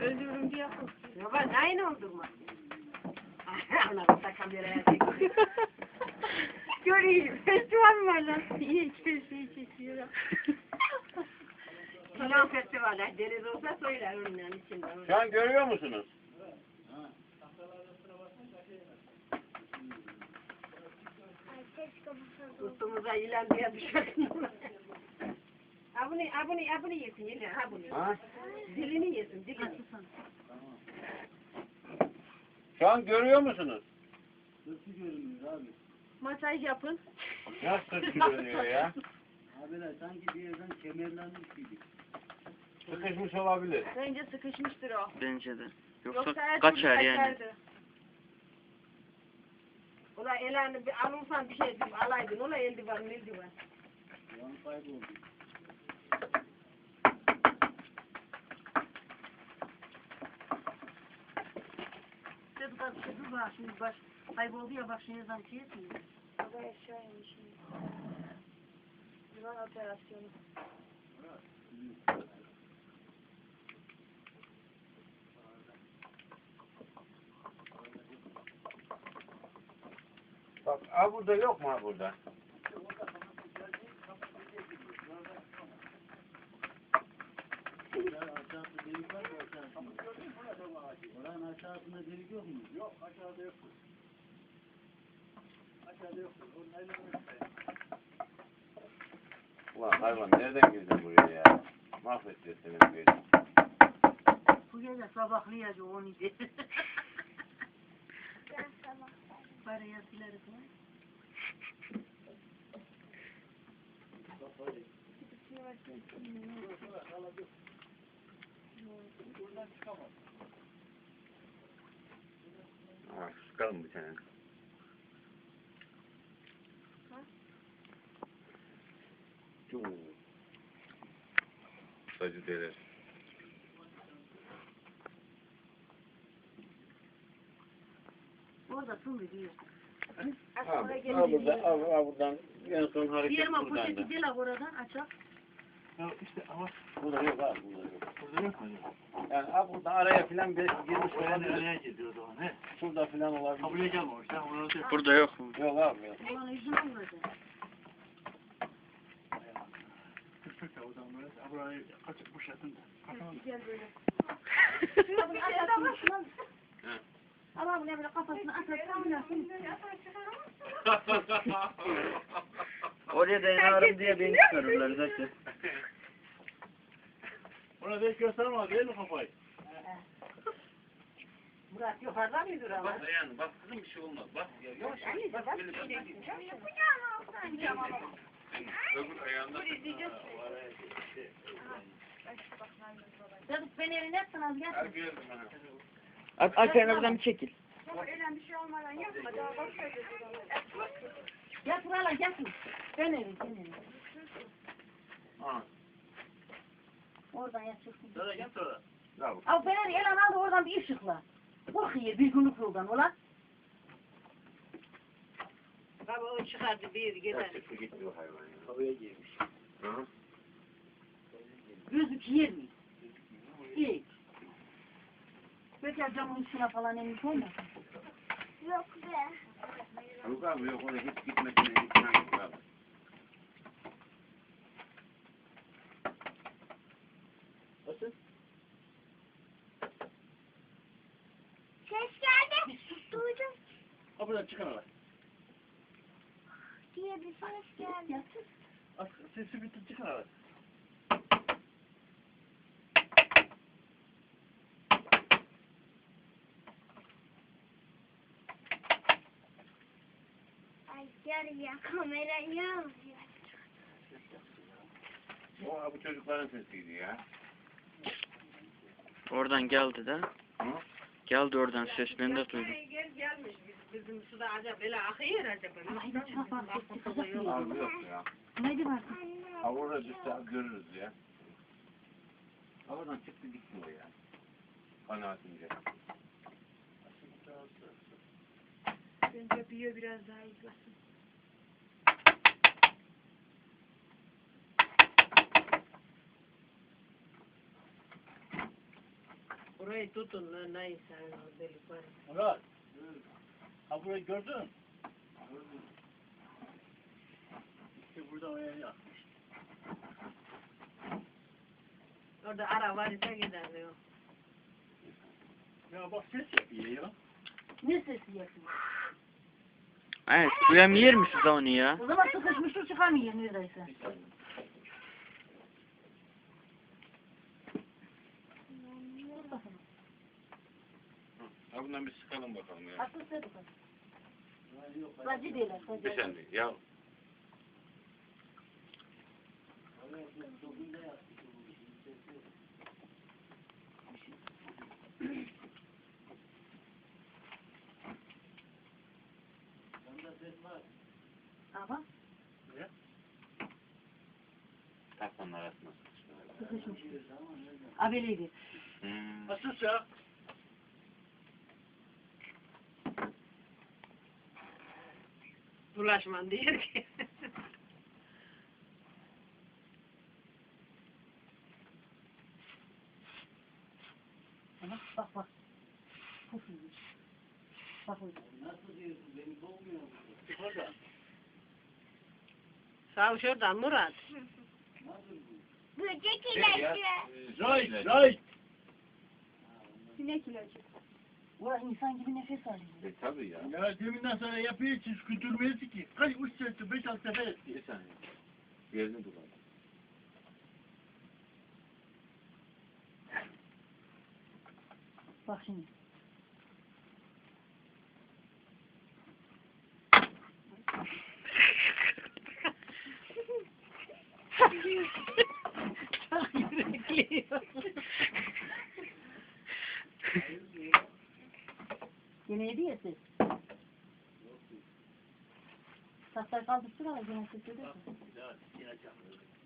Öldürürüm diye korkuyorum. Ya ben aynı oldum. Ana da kameraya çekiyor. Göreyim. Festival mi var lan? İyi içerisi çekiyor. Salon festivaller deniz olsa söyler onun içinde. Şu an görüyor musunuz? Üstümüze ilan diye düşelim. Abone yesin yine abone. Ha? Dilini yesin dilini. Şu an görüyor musunuz? Masaj yapın. Nasıl görünüyor ya? Abiler sanki bir yerden kemerlenmiş gibi. Sıkışmış olabilir. Bence sıkışmıştır o. Bence de. Yoksa Yoksa her kaçar türlü yani. kaçardı. Ulan elanı bir alırsan bir şey diyeyim alaydın. Ulan eldiven. Yan kayboldu. Kız var şimdi baş kayboldu ya bak şimdi zam şey etmiyor. Baba aşağıymış şimdi. Yılan operasyonu. Bak burada yok mu burada? Aşağısı delik var mı aşağısında? Oranın aşağısında delik yok mu? Yok aşağıda yok. Aşağıda yok. Ulan hayvan nereden girdin buraya ya? Mahvedeceğiz senin köyü. Bu gece sabahlayacak onu diye. Paraya sileriz ha. Ha, sıkalım bir tane. Sacı deler. Orada tüm diyor. Buradan en son hareket Diyelim buradan poşeti da. değil oradan açak. Ya işte ama burada yok abi burada yok. Burada yok mu? Yani abi burada araya filan bir girmiş olabilir. Nereye gidiyor o zaman he? Şurada filan olabilir. Kabul gelmemiş. Sen onu da Burada yok mu? Yok abi yok. Ulan yüzüne vuracak. kıstık da o zaman böyle. Burayı kaçıp boşaltın da. Gel böyle. Şuna bunu atasın. Ama bunu böyle kafasına atasın. Oraya dayanarım diye beni çıkarırlar zaten. Ona da hiç göstermez değil mi kafayı? Murat yukarıdan mı dur ama? Bak dayan bak kızım bir şey olmaz. Bak yavaş yavaş bak böyle bir şey. Öbür ayağında. Dedik beni eline etsin az gel. Hadi gördüm ha. Alperen oradan bir çekil. Gel buraya gel. Ben evim. Ha. Oradan yatırsın. Sonra git sonra. Bravo. Abi beni elan aldı oradan bir ışıkla. Korkuyor bir günlük yoldan ulan. Baba o çıkardı bir gider. Çıktı gitti o hayvan ya. Havaya girmiş. Hı? Gözük yer mi? İyi. Peki camın üstüne falan emin olmasın? Yok abi yok oraya hiç gitmesine imkan yok abi. Nasıl? Ses geldi. Duydum Kapıdan çıkan ara. diye bir ses geldi. Sesi bitti çıkan ara. Ay gel ya kamerayı al. O bu çocukların sesiydi ya. Oradan geldi de. Hı? Geldi oradan ses ben de duydum. Gelmiş bizim suda acaba böyle akıyor acaba. Abi yok ya. Neydi var? Ha orada düşse görürüz ya. Oradan çıktı gitti o ya. Kanaatimce. Bence büyüyor biraz daha izlesin. Burayı tutun lan neyse delik var. Murat. Ha burayı gördün. İşte burada o yer yapmış. Orada ara var ise gider diyor. Ya bak ses yapıyor ya. Ne sesi yapıyor? Evet, suya mı yer misiniz onu ya? O zaman sıkışmıştır çıkamıyor neredeyse. Bir saniye. Ha bundan bir sıkalım bakalım ya. Haklısın bakalım. Sacı değil, sacı. Bir saniye ya. Ama Takmanın arasına. sıkışmış. Abeliydi. Hmm. Sus ya. Bulaşman diyor ki. Ama bak bak. Pufuymuş. Bak öyle. Nasıl diyorsun? Beni boğmuyor mu? Orada. Sağ şuradan Murat. Nasıl bu? Böcek Şey ya, ilacı. Zay, zay. Sinek ilacı. Ulan insan gibi nefes alıyor. Tabii ya. Ya deminden sonra yapıyor ki küldürmeyiz ki. Kaç uç sefer, 5-6 sefer etti. Bir saniye. Yerini bulalım. Bak şimdi. Çok yürekliyor. Yine yedi ya ses. Tahtayı kaldırsın ama yine ses edersin. Ya, yiyeceğim.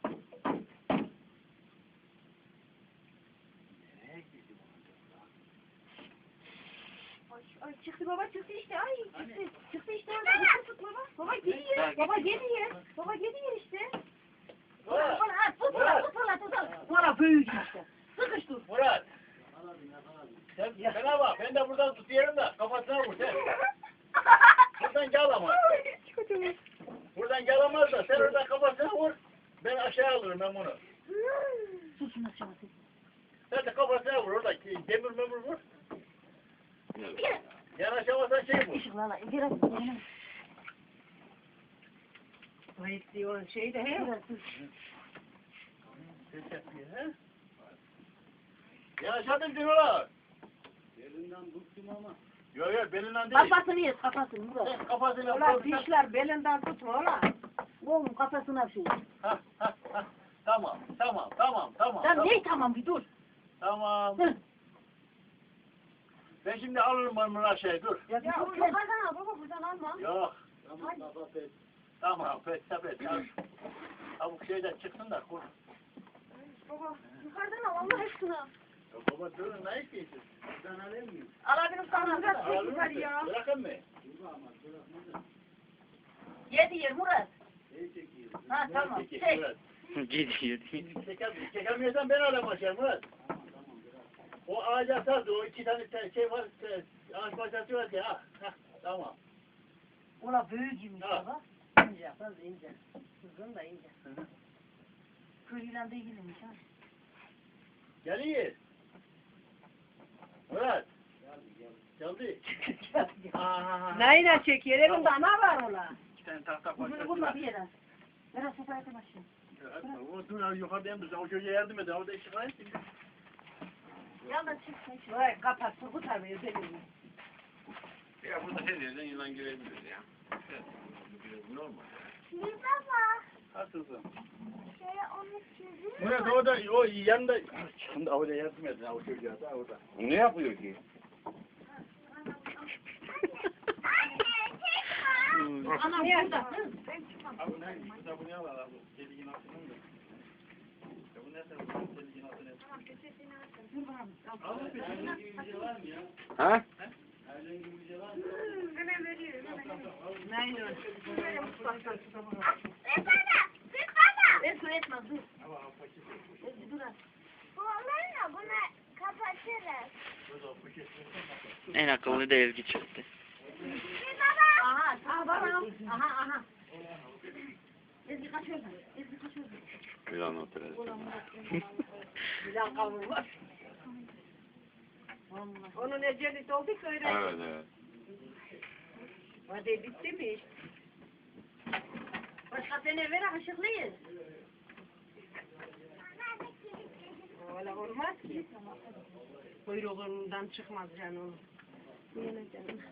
Nereye gidiyor? Ay çıktı baba çıktı işte ay çıktı. Çıktı işte orada tut baba. Baba geliyor. Baba geliyor. Baba geliyor işte. Murat, Bana at tut tut. Bana büyük işte. Sıkış dur. Murat. Sen bak, ben de buradan tutuyorum da kafasına vur sen. Buradan gel ama. Buradan gelemez da sen oradan kafasına vur. Ben aşağı alırım ben bunu. Susun aşağısı. Sen de kafasına vur orada. Demir memur vur. Yan aşağıdan şey vur. Işıklarla biraz Ayıp diyor şey de he. Ses yapıyor he? Ya aşağıdan diyorlar. Yerinden bıktım ama. Yok yok belinden değil. Kafasını yes kafasını Murat. Sen kafasıyla Ulan vurursan- dişler belinden tutma ulan. Oğlum kafasına bir şey. Ha, ha, ha. Tamam tamam tamam tamam. Sen ne tamam bir dur. Tamam. Hı. Ben şimdi alırım ben bunu aşağıya dur. Ya yukarıdan al baba buradan alma. Yok. Tamam baba pes. Tamam pes pes. Tavuk şeyden çıksın da kur. Baba yukarıdan al Allah aşkına. Ya baba durun ne istiyorsun? Ben alayım mı? Alabilirim sana biraz Alır yukarı mısın? ya. Bırakın mı? Dur ama bırakma da. Yedi yer Murat. Ne çekiyor? Ha tamam. Çekil, Çek. Murat. Gidiyor. Çekemiyorsan ben alayım aşağı Murat. Tamam bırak. O ağaca sardı. O 2 tane şey var. Ağaç parçası var ya. Ha, tamam. Ula büyücüymüş Ha. baba. İnce faz ince. Uzun da ince. Köyüyle de ilgiliymiş ha. Geliyor. Murat. Geldi. Aa. Neyle çekiyor? Elinde ne var ulan? 2 tane tahta Bunu parçası bulma var. bir yere. Biraz sopa yakın aşağı. O dur yukarıdan biz o çocuğa yardım edin. Orada işi var. Yandan çık sen çık. Vay kapat Turgut abi özelini. Ya burada her yerden yılan girebilir ya. Evet. Normal. Bir baba. Haklısın. Şöyle onu çizim. Murat orada o yanında. Şimdi orada yardım edin o çocuğa da orada. Ne yapıyor ki? Anam burada. Abi ne? Bu da bunu al abi. Deliğin altından da. Ya bu ne sen? Deliğin altına. Dur bakalım. Al bir Ailen gibi bir şey var mı ya? Ha? Ailen gibi bir şey var mı? Neyle? Bir baba. Bir baba. Ben su etmez dur. Dur. Bu onlarla bunu kapatırız. En akıllı da Ezgi çıktı. Aha, aha bana. Aha, aha. Ezgi kaçıyorsun. Ezgi kaçıyorsun. Bir an oturalım. Bilal kavur var. Onun eceli doldu ki öyle. Evet evet. Hadi bitti mi iş? Başka sene ver aşıklıyız. Öyle olmaz ki. Kuyruğundan çıkmaz canım. Yine canım.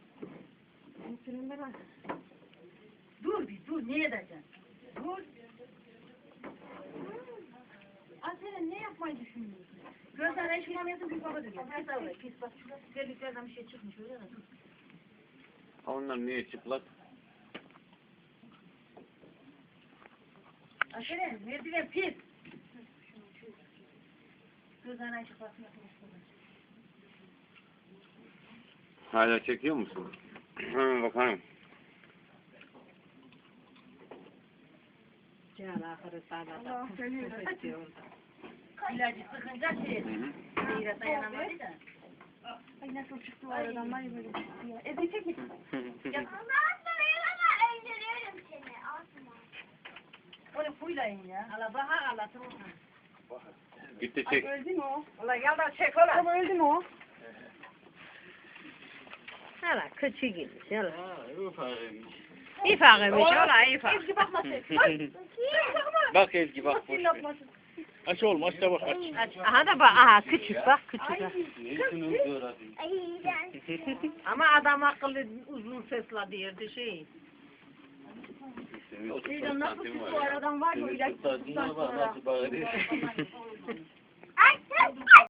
Dur bir dur ne edeceksin? Dur. Aseren ne yapmayı düşünüyorsun? Gözlerine eşkılamayasın bir baba diyor. Pis avra pis bak şurada terliklerden bir şey çıkmış öyle mi? Onlar niye çıplak? Aseren merdiven pis. Gözlerine eşkılasın yapmış. Hala çekiyor musun? Hemen bakalım. Can ahırı sağda. İlacı sıkınca şey. Hı hı. Meyre dayanamadı da. Ay nasıl çıktı o aradan var ya böyle çıktı ya. Ezgi çek mi? Ondan sonra yana öldürüyorum seni. Asma. Onu fuylayın ya. Ala baha ala tamam. Gitti Ay çek. öldü mü o? Ulan gel de çek ola. Ama öldü mü o? Hala küçük gitmiş hala. Ha, ufak. İfakıymış ola ifak. Ezgi bakma sen. Bak Ezgi bak. boş ver. Yapmasın. Aç oğlum aç da bak aç. Aha da bak aha küçük bak küçük. Ay. ha. Ne için uzuyor abi? Ay iğrenç. Ama adam akıllı uzun sesle diyordu şey. Şeyden nasıl çıktı o aradan var ya o ilaç sıktıktan sonra. Nasıl bağırıyor? Ay, ay, ay.